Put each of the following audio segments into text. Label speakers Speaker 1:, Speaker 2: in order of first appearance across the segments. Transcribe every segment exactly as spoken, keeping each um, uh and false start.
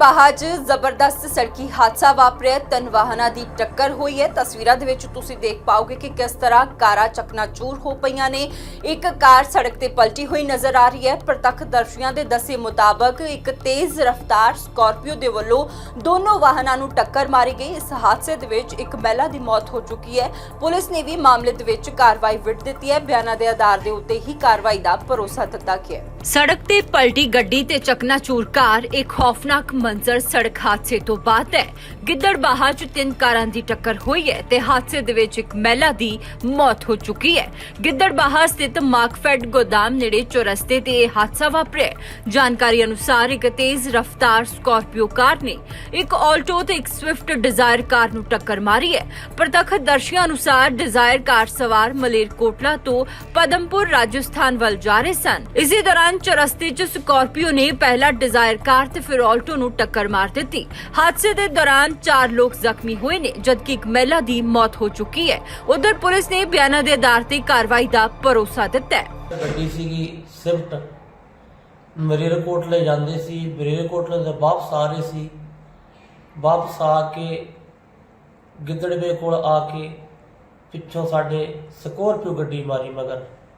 Speaker 1: ਗਿੱਦੜਬਾਹਾ 'ਚ ਜ਼ਬਰਦਸਤ ਸੜਕੀ ਹਾਦਸਾ ਵਾਪਰਿਆ। ਤਿੰਨ ਵਾਹਨਾਂ ਦੀ ਟੱਕਰ ਹੋਈ ਹੈ। ਤਸਵੀਰਾਂ ਦੇ ਵਿੱਚ ਤੁਸੀਂ ਦੇਖ ਪਾਓਗੇ ਕਿ ਕਿਸ ਤਰ੍ਹਾਂ ਕਾਰਾਂ ਚਕਨਾਚੂਰ ਹੋ ਪਈਆਂ ਨੇ। ਇੱਕ ਕਾਰ ਸੜਕ ਤੇ ਪਲਟੀ ਹੋਈ ਨਜ਼ਰ ਆ ਰਹੀ ਹੈ। ਪ੍ਰਤੱਖਦਰਸ਼ੀਆਂ ਦੇ ਦੱਸੇ ਮੁਤਾਬਕ ਇੱਕ ਤੇਜ਼ ਰਫ਼ਤਾਰ ਸਕਾਰਪੀਓ ਦੇ ਵੱਲੋਂ ਦੋਨੋਂ ਵਾਹਨਾਂ ਨੂੰ ਟੱਕਰ ਮਾਰੀ ਗਈ। ਇਸ ਹਾਦਸੇ ਦੇ ਵਿੱਚ ਇੱਕ ਮਹਿਲਾ ਦੀ ਮੌਤ ਹੋ ਚੁੱਕੀ ਹੈ। ਪੁਲਿਸ ਨੇ ਵੀ ਮਾਮਲੇ ਦੇ ਵਿੱਚ ਕਾਰਵਾਈ ਵਿੱਢ ਦਿੱਤੀ ਹੈ। ਬਿਆਨਾਂ ਦੇ ਆਧਾਰ ਦੇ ਉੱਤੇ ਹੀ ਕਾਰਵਾਈ ਦਾ ਭਰੋਸਾ ਦਿੱਤਾ ਗਿਆ। ਸੜਕ ਤੇ ਪਲਟੀ ਗੱਡੀ ਤੇ ਚਕਨਾਚੂਰ ਕਾਰ ਇੱਕ ਖੌਫਨਾਕ ਮੰਜ਼ਰ ਸੜਕ ਹਾਦਸੇ ਤੋਂ ਬਾਅਦ ਹੈ। ਗਿੱਦੜਬਾਹਾ 'ਚ ਤਿੰਨ ਕਾਰਾਂ ਦੀ ਟੱਕਰ ਹੋਈ ਹੈ ਤੇ ਹਾਦਸੇ ਦੇ ਵਿੱਚ ਇੱਕ ਮਹਿਲਾ ਦੀ ਮੌਤ ਹੋ ਚੁੱਕੀ ਹੈ। ਗਿੱਦੜਬਾਹਾ ਸਥਿਤ ਮਾਰਕਫੈਡ ਗੋਦਾਮ ਨੇੜੇ ਚੌਰਸਤੇ ਤੇ ਇਹ ਹਾਦਸਾ ਵਾਪਰਿਆ। ਜਾਣਕਾਰੀ ਅਨੁਸਾਰ ਇੱਕ ਤੇਜ਼ ਰਫ਼ਤਾਰ ਸਕਾਰਪੀਓ ਕਾਰ ਨੇ ਇੱਕ ਆਲਟੋ ਤੇ ਇੱਕ ਸਵਿਫਟ ਡਿਜ਼ਾਇਰ ਕਾਰ ਨੂੰ ਟੱਕਰ ਮਾਰੀ ਹੈ। ਪ੍ਰਤੱਖਦਰਸ਼ੀਆਂ ਅਨੁਸਾਰ ਡਿਜ਼ਾਇਰ ਕਾਰ ਸਵਾਰ ਮਲੇਰਕੋਟਲਾ ਤੋਂ ਪਦਮਪੁਰ ਰਾਜਸਥਾਨ ਵੱਲ ਜਾ ਰਹੇ ਸਨ। ਇਸੇ ਦੌਰਾਨ ਚੌਰਸਤੇ 'ਚ ਸਕਾਰਪੀਓ ਨੇ ਪਹਿਲਾਂ ਡਿਜ਼ਾਇਰ ਕਾਰ ਤੇ ਫਿਰ ਆਲਟੋ ਨੂੰ ਟੱਕਰ ਮਾਰ ਦਿੱਤੀ। ਹਾਦਸੇ ਦੇ ਦੌਰਾਨ ਚਾਰ ਲੋਕ ਜ਼ਖਮੀ ਹੋਏ ਨੇ ਜਦਕਿ ਇੱਕ ਮਹਿਲਾ ਦੀ ਮੌਤ ਹੋ ਚੁੱਕੀ ਹੈ। ਉਧਰ ਪੁਲਿਸ ਨੇ ਬਿਆਨਾਂ ਦੇ ਆਧਾਰ ਤੇ ਕਾਰਵਾਈ ਦਾ ਭਰੋਸਾ ਦਿੱਤਾ ਹੈ।
Speaker 2: ਗੱਡੀ ਸੀਗੀ ਸਵਿਫਟ, ਮਲੇਰਕੋਟਲੇ ਜਾਂਦੇ ਸੀ। ਮਲੇਰਕੋਟਲੇ ਤੋਂ ਵਾਪਸ ਆ ਰਹੇ ਸੀ। ਵਾਪਸ ਆ ਕੇ ਗਿੱਦੜਵੇ ਕੋਲ ਆ ਕੇ ਪਿੱਛੋਂ ਸਾਡੇ ਸਕਾਰਪੀਓ ਗੱਡੀ ਮਾਰੀ ਮਗਰ।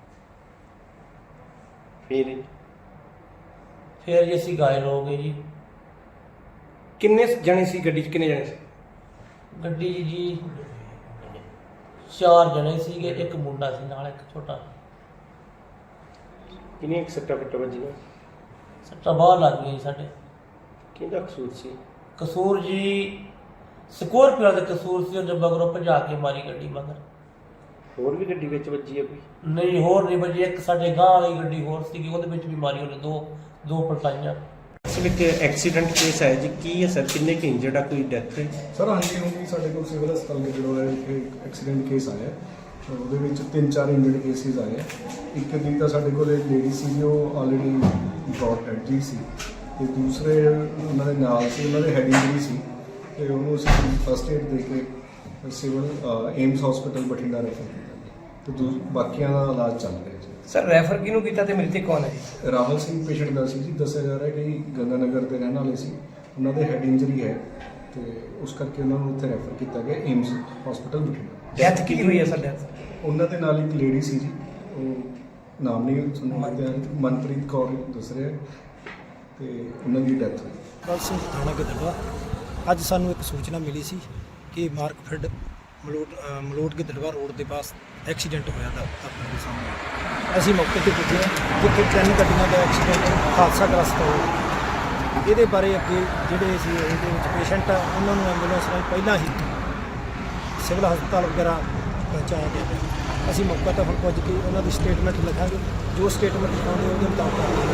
Speaker 3: ਫਿਰ
Speaker 2: ਫਿਰ ਜੀ ਅਸੀਂ ਘਾਇਲ ਹੋ ਗਏ ਜੀ।
Speaker 3: ਕਿੰਨੇ ਜਣੇ ਸੀ ਗੱਡੀ 'ਚ? ਕਿੰਨੇ ਜਣੇ ਸੀ
Speaker 2: ਗੱਡੀ 'ਚ ਜੀ ਚਾਰ ਜਣੇ ਸੀਗੇ, ਇੱਕ ਮੁੰਡਾ ਸੀ ਨਾਲ, ਇੱਕ ਛੋਟਾ।
Speaker 3: ਕਿੰਨੀਆਂ ਕੁ ਸੱਟਾਂ ਫੱਟਾਂ ਵੱਜੀਆਂ?
Speaker 2: ਸੱਟਾਂ ਬਾਹਰ ਲੱਗ ਗਈਆਂ ਜੀ ਸਾਡੇ।
Speaker 3: ਕਿਹਦਾ ਕਸੂਰ ਸੀ?
Speaker 2: ਕਸੂਰ ਜੀ ਸਕਾਰਪੀਓ ਦਾ ਕਸੂਰ ਸੀ। ਉਹਨੇ ਮਗਰੋਂ ਭਜਾ ਕੇ ਮਾਰੀ ਗੱਡੀ ਮਗਰ।
Speaker 3: ਹੋਰ ਵੀ ਗੱਡੀ ਵਿੱਚ ਵੱਜੀ ਹੈ ਕੋਈ?
Speaker 2: ਨਹੀਂ, ਹੋਰ ਨਹੀਂ ਵੱਜੀ। ਇੱਕ ਸਾਡੇ ਗਾਂ ਵਾਲੀ ਗੱਡੀ ਹੋਰ ਸੀਗੀ, ਉਹਦੇ ਵਿੱਚ ਵੀ ਮਾਰੀ ਉਹਨੇ ਦੋ ਦੋ ਪਲਟਾਈਆਂ।
Speaker 3: ਇਸ ਵਿੱਚ ਐਕਸੀਡੈਂਟ ਕੇਸ ਹੈ ਜੀ, ਕੀ ਹੈ ਸਰ? ਕਿੰਨੇ ਕਿ ਇੰਜਰਡ ਆ? ਕੋਈ ਡੈਥ ਹੈ?
Speaker 4: ਸਰ ਹਾਂਜੀ, ਹੁਣ ਵੀ ਸਾਡੇ ਕੋਲ ਸਿਵਲ ਹਸਪਤਾਲ ਦੇ ਜਿਹੜਾ ਹੈ ਇੱਕ ਐਕਸੀਡੈਂਟ ਕੇਸ ਆਇਆ। ਉਹਦੇ ਵਿੱਚ ਤਿੰਨ ਚਾਰ ਇੰਜਰਡ ਕੇਸਿਸ ਆਏ। ਇੱਕ ਦੀ ਤਾਂ ਸਾਡੇ ਕੋਲ ਲੇਡੀ ਸੀ, ਉਹ ਆਲਰੇਡੀ ਬ੍ਰੌਟ ਡੈਡ ਜੀ ਸੀ, ਤੇ ਦੂਸਰੇ ਉਹਨਾਂ ਦੇ ਨਾਲ ਸੀ, ਉਹਨਾਂ ਦੇ ਹੈਡ ਇੰਜਰੀ ਸੀ, ਤੇ ਉਹਨੂੰ ਅਸੀਂ ਫਸਟ ਏਡ ਦੇ ਕੇ civil AIIMS hospital Bathinda refer ਕੀਤਾ, ਤੇ ਦੂ ਬਾਕੀਆਂ ਦਾ ਇਲਾਜ ਚੱਲ ਰਿਹਾ ਜੀ।
Speaker 3: ਸਰ ਰੈਫਰ ਕਿਹਨੂੰ ਕੀਤਾ ਤੇ ਮ੍ਰਿਤਕ ਕੌਣ ਹੈ ਜੀ?
Speaker 4: ਰਾਹੁਲ ਸਿੰਘ ਪੇਸ਼ੈਂਟ ਦਾ ਸੀ ਜੀ। ਦੱਸਿਆ ਜਾ ਰਿਹਾ ਕਿ ਗੰਗਾ ਨਗਰ ਦੇ ਰਹਿਣ ਵਾਲੇ ਸੀ। ਉਹਨਾਂ ਦੇ ਹੈਡ ਇੰਜਰੀ ਹੈ ਤੇ ਉਸ ਕਰਕੇ ਉਹਨਾਂ ਨੂੰ ਉੱਥੇ ਰੈਫਰ ਕੀਤਾ ਗਿਆ ਏਮਸ ਹਸਪੀਟਲ ਬਠਿੰਡਾ।
Speaker 3: ਡੈਥ ਕੀ ਹੋਈ ਹੈ ਸਰ? ਡੈਥ
Speaker 4: ਉਹਨਾਂ ਦੇ ਨਾਲ ਇੱਕ ਲੇਡੀ ਸੀ ਜੀ, ਉਹ ਨਾਮ ਨਹੀਂ ਸੁਣਿਆ, ਮਨਪ੍ਰੀਤ ਕੌਰ ਦੱਸ ਰਿਹਾ, ਤੇ ਉਹਨਾਂ ਦੀ ਡੈਥ ਹੋਈ।
Speaker 5: ਬਲ ਸਿੰਘ ਥਾਣਾ ਗਿੱਦੜਬਾਹਾ। ਅੱਜ ਸਾਨੂੰ ਇੱਕ ਸੂਚਨਾ ਮਿਲੀ ਸੀ ਕਿ ਮਾਰਕਫੈਡ ਮਲੋਟ ਮਲੋਟ ਗਿੱਦੜਬਾਹਾ ਰੋਡ ਦੇ ਪਾਸ ਐਕਸੀਡੈਂਟ ਹੋਇਆ ਦਾ ਆਪਣੇ ਦੇ ਸਾਹਮਣੇ। ਅਸੀਂ ਮੌਕੇ ਤੇ ਪੁੱਜੇ ਜਿੱਥੇ ਤਿੰਨ ਗੱਡੀਆਂ ਦਾ ਐਕਸੀਡੈਂਟ ਹਾਦਸਾ ਗ੍ਰਸਤ ਹੋਇਆ। ਇਹਦੇ ਬਾਰੇ ਅੱਗੇ ਜਿਹੜੇ ਸੀ ਇਹਦੇ ਵਿੱਚ ਪੇਸ਼ੈਂਟ ਆ ਉਹਨਾਂ ਨੂੰ ਐਂਬੂਲੈਂਸ ਨਾਲ ਪਹਿਲਾਂ ਹੀ ਸਿਵਲ ਹਸਪਤਾਲ ਵਗੈਰਾ ਪਹੁੰਚਾਇਆ ਗਿਆ। ਅਸੀਂ ਮੌਕੇ 'ਤੇ ਹੁਣ ਪੁੱਜ ਕੇ ਉਹਨਾਂ ਦੀ ਸਟੇਟਮੈਂਟ ਲਿਖਾਂਗੇ। ਜੋ ਸਟੇਟਮੈਂਟ ਲਿਖਾਉਂਦੇ ਉਹਦੇ ਮੁਤਾਬਕ